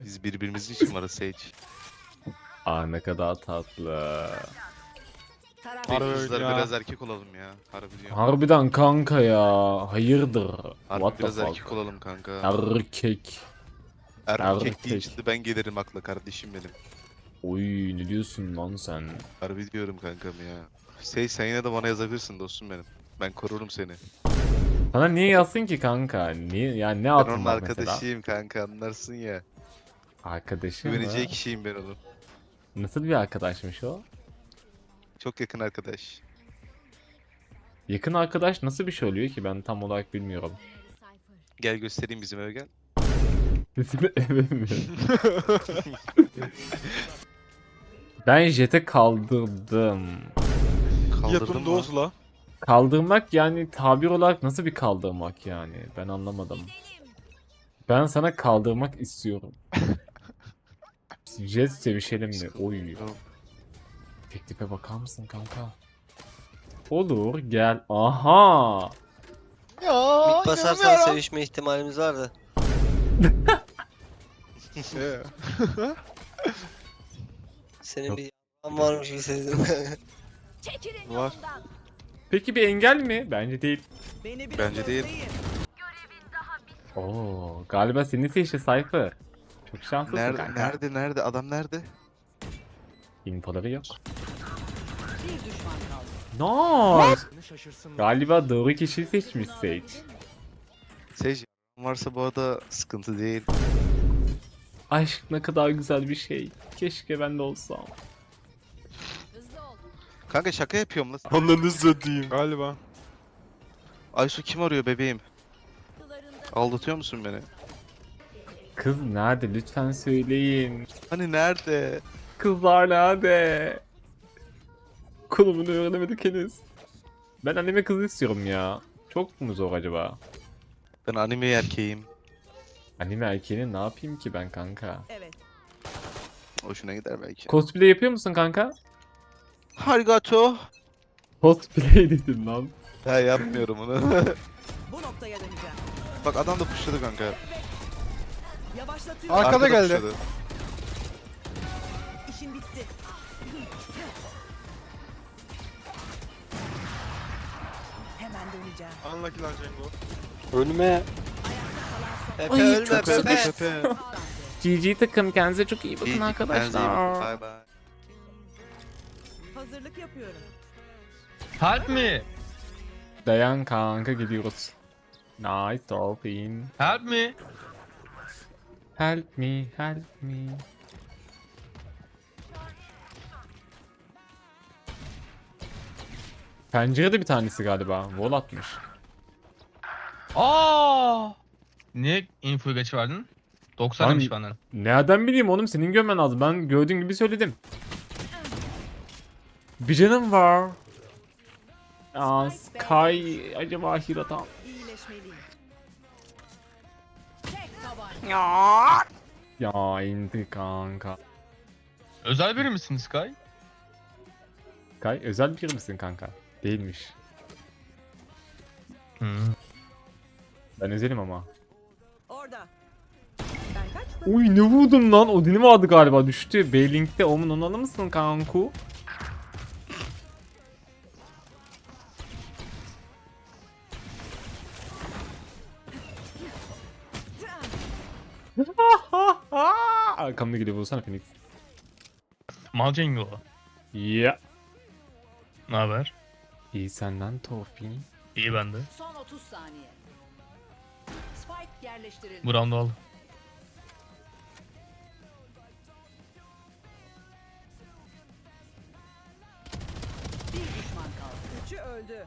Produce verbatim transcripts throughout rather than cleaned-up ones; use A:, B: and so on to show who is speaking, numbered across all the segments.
A: Biz birbirimizin için varız Sage.
B: Aa ne kadar tatlı.
C: Taraf
A: Harbi
D: öyle
A: kızlar
D: ya.
A: biraz erkek olalım ya. Harbi diyorum.
B: Harbiden kanka ya. Hayırdır?
A: Harbi
B: What the
A: biraz
B: fuck?
A: erkek olalım kanka.
B: Erkek.
A: Erkek
B: erkek.
A: deyince ben gelirim akla kardeşim benim.
B: Oy ne diyorsun lan sen?
A: Harbi diyorum kankam ya. Sage sen yine de bana yazabilirsin dostum benim. Ben korurum seni.
B: Sana niye yazsın ki kanka? Niye yani ne
A: Ben
B: altın
A: onun
B: var mesela?
A: arkadaşıyım kanka anlarsın ya.
B: Arkadaşım mı?
A: Güveneceği kişiyim ben onun.
B: Nasıl bir arkadaşmış o?
A: Çok yakın arkadaş.
B: Yakın arkadaş nasıl bir şey oluyor ki ben tam olarak bilmiyorum.
A: Gel göstereyim bizim eve gel.
B: Bizim eve mi? Ben jete kaldırdım.
A: Kaldırdın
D: Yapım
A: mı?
D: dozla.
B: Kaldırmak yani tabir olarak nasıl bir kaldırmak yani? Ben anlamadım. Ben sana kaldırmak istiyorum. Jet sevişelim mi? Oy.
A: Tamam.
B: Teklife bakar mısın kanka? Olur gel. Aha.
D: Ya
E: Mid basarsan sevişme ihtimalimiz vardı.
D: Ee,
E: Senin
B: Yok.
E: bir y***an varmış gibi sezdim.
C: Çekilin
D: Var.
C: yolumdan.
B: Peki bir engel mi? Bence değil.
C: Beni biraz
A: Bence değil.
C: özleyin.
B: Oo, galiba senin seçti Cypher. Çok şanslısın
A: Nerede,
B: kanka.
A: nerede, nerede? Adam nerede?
B: İnfoları yok.
C: Bir düşman kaldı.
B: Nice. Galiba doğru kişiyi seçmiş Sage.
A: Sage varsa bu arada sıkıntı değil.
B: Aşk ne kadar güzel bir şey. Keşke ben de olsam.
C: Hızlı ol.
A: Kanka şaka yapıyorum lan.
D: Ananı satayım. Galiba.
A: Aysu kim arıyor bebeğim?
C: Kılarında
A: Aldatıyor musun beni?
B: Kız nerede? Lütfen söyleyin.
A: Hani nerede?
B: Kızlar nerede? Konumunu öğrenemedik henüz. Ben anime kızı istiyorum ya. Çok mu zor acaba?
A: Ben anime erkeğim.
B: Anime erkeğini ne yapayım ki ben kanka?
C: evet.
A: Hoşuna gider belki.
B: Cosplay yapıyor musun kanka?
A: Harigato.
B: Cosplay dedim lan.
A: Ha yapmıyorum onu.
C: Bu noktaya döneceğim.
A: Bak adam da pushladı kanka.
C: Yavaşlatıyorum.
D: Arkada geldi.
A: pushladı.
C: İşin bitti. Hemen döneceğim.
D: Unlucky lan Cengo.
E: Ölme. Pepe
B: Ay,
E: ölme
B: çok
E: Pepe.
A: Pepe.
B: G G takım kendinize çok iyi bakın
A: İyi,
B: arkadaşlar.
A: Bye bye.
C: Hazırlık yapıyorum.
F: Help me!
B: Dayan kanka gidiyoruz. Nice dolphin.
F: Help me!
B: Help me, help me. Pencerede bir tanesi galiba. Wall atmış.
F: Aa! Niye infoyu geç verdin? doksan
B: Lan-
F: demiş benden.
B: Nereden bileyim oğlum, senin görmen lazım. Ben gördüğün gibi söyledim. Bir canım var. Aa, Sky acaba Hirata.
C: İyileşmeliyim. Tek tabanca.
B: Ya indi kanka.
F: Özel biri misin Sky?
B: Sky özel bir misin kanka? Değilmiş.
F: Hmm.
B: Ben özelim ama.
C: Orada. Ben kaçtım.
B: Uy ne vurdum lan? Odin'i vardı galiba, düştü. B-Link'te Omun onu alır mısın kanku? Arkamda geliyor, bulsana Phoenix.
F: Mal Cengo.
B: Ya.
F: Ne haber?
B: İyi senden Tofi.
F: İyi bende.
C: Son otuz saniye. Spike yerleştirildi.
F: Bu roundu al.
C: Bir düşman kaldı. Üçü öldü.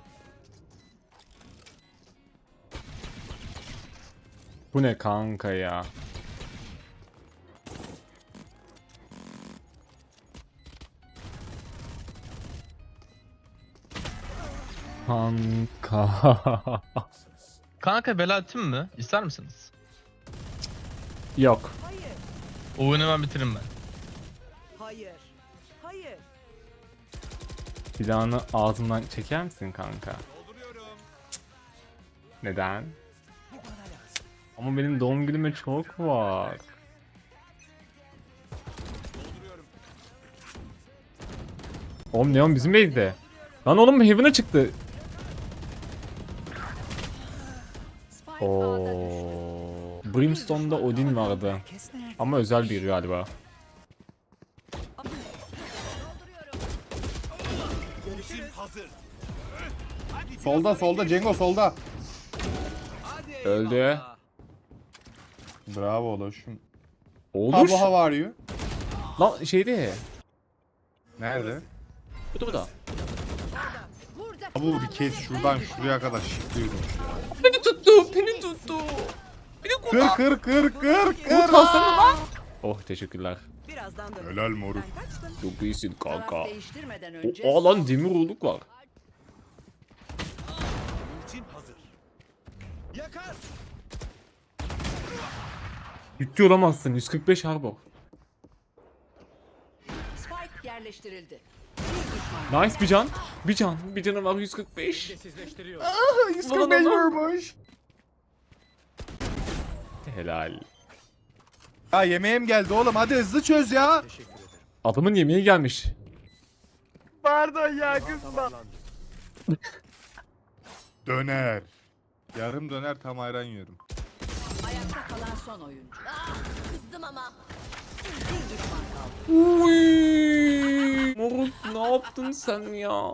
B: Bu ne kanka ya? Kanka.
F: Kanka bela atayım mı? İster misiniz?
B: Yok.
C: Hayır.
F: O oyunu ben bitiririm ben.
C: Hayır. Hayır.
B: Silahını ağzımdan çeker misin kanka? Neden? Ama benim doğum günüme çok var. Oğlum Neon bizim base'de. Lan oğlum Heaven'a çıktı.
C: Spike A'da düştü.
B: Oo. Brimstone'da Odin vardı. Ama özel biri galiba.
G: Solda solda Cengo solda.
B: Öldü.
G: Bravo oğlum.
B: Olur.
G: How how are you?
B: Lan şeyde.
G: Nerede?
B: Bu da bu da.
G: Bu bir kez şuradan şuraya kadar şıklıyordum.
B: Beni tuttu. Beni tuttu.
G: Kır kır kır kır kır.
B: Utasana lan. Oh teşekkürler.
C: Birazdan dön.
G: Helal moruk.
C: Ben kaçtım.
B: Çok iyisin kanka.
C: Taraf değiştirmeden önce.
B: O, aa lan demir olduk var. Ciddi olamazsın. yüz kırk beş harbor.
C: Spike yerleştirildi. Bir düşman.
B: Nice bir can. Bir can. Bir canı var yüz kırk beş.
G: yüz kırk beş vurmuş.
B: Helal.
G: Ya yemeğim geldi oğlum, hadi hızlı çöz ya.
B: Adamın yemeği gelmiş.
H: Pardon ya kızma.
G: Döner. Yarım döner tam ayran yiyorum.
C: Ayakta kalan son oyuncu. Kızdım ama. Bir düşman kaldı.
B: Uy. Moruk ne yaptın sen ya?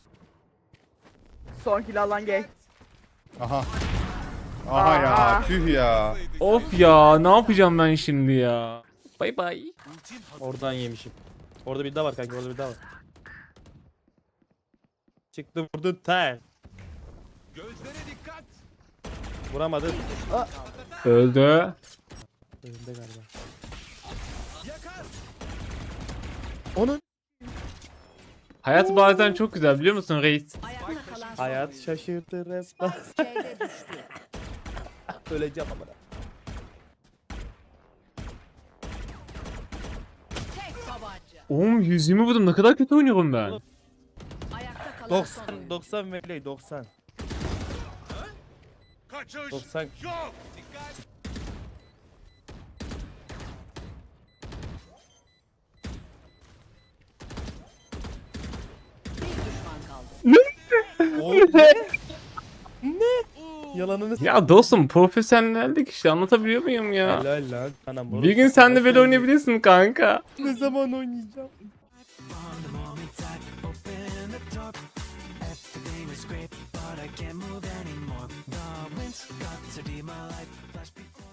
H: Son kill alan gay.
G: Aha. Aha ya,
H: Aa.
G: tüh ya.
B: Of ya ne yapacağım ben şimdi ya? Bay bay.
I: Oradan yemişim. Orada bir daha var kanka, orada bir daha var. Çıktı vurdu ter. Gözlere dikkat. Vuramadı.
B: Öldü.
I: Önünde galiba. Onun
B: Hayat bazen çok güzel biliyor musun reis?
C: Ayakta kalan son
I: hayat
C: oyuncu.
I: şaşırtır hep.
C: Spike C'de düştü.
I: Öleceğim ama.
C: Tek tabanca.
B: Oğlum yüz yirmi vurdum ne kadar kötü oynuyorum ben.
C: Ayakta kalan son
I: doksan
C: oyuncu.
I: doksan Vevley doksan. doksan.
C: Bir düşman kaldı.
I: Yalanını s-
B: Ya dostum profesyonellik işte anlatabiliyor muyum ya?
I: Helal lan. Anam,
B: Bir gün sen de böyle oynayabilirsin kanka.
I: Ne zaman oynayacağım?
J: Everything was great, but I can't move anymore. The winds got to be my life. Flash before